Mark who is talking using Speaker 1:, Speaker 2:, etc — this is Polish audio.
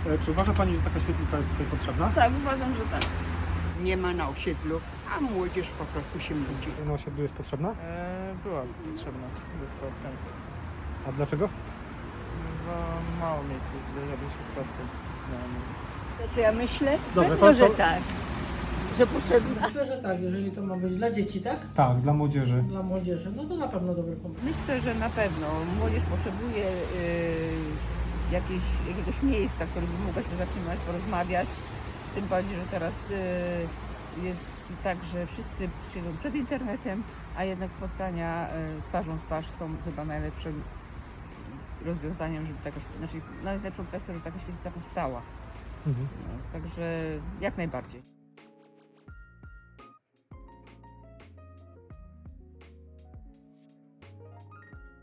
Speaker 1: Czy uważa Pani, że taka świetlica jest tutaj potrzebna?
Speaker 2: Tak, uważam, że tak.
Speaker 3: Nie ma na osiedlu, a młodzież po prostu się nudzi.
Speaker 1: Na osiedlu jest potrzebna?
Speaker 4: Była potrzebna do spotkań,
Speaker 1: A dlaczego?
Speaker 4: bo mało miejsc jest, żeby się spotkać z znajomymi.
Speaker 2: To co ja myślę?
Speaker 1: Dobrze,
Speaker 2: Pewno,
Speaker 1: to-
Speaker 2: że tak. Że potrzebna.
Speaker 5: Myślę, że tak, jeżeli to ma być dla dzieci, tak?
Speaker 1: Tak, dla młodzieży.
Speaker 5: Dla młodzieży, no to na pewno dobry pomysł.
Speaker 6: Myślę, że na pewno młodzież potrzebuje jakiegoś miejsca, w którym by mogła się zatrzymać, porozmawiać. Tym bardziej, że teraz jest tak, że wszyscy siedzą przed internetem, a jednak spotkania twarzą w twarz są chyba najlepszym rozwiązaniem, żeby najlepszą kwestią, żeby taka świetlica powstała.
Speaker 1: Mhm.
Speaker 6: No, także jak najbardziej.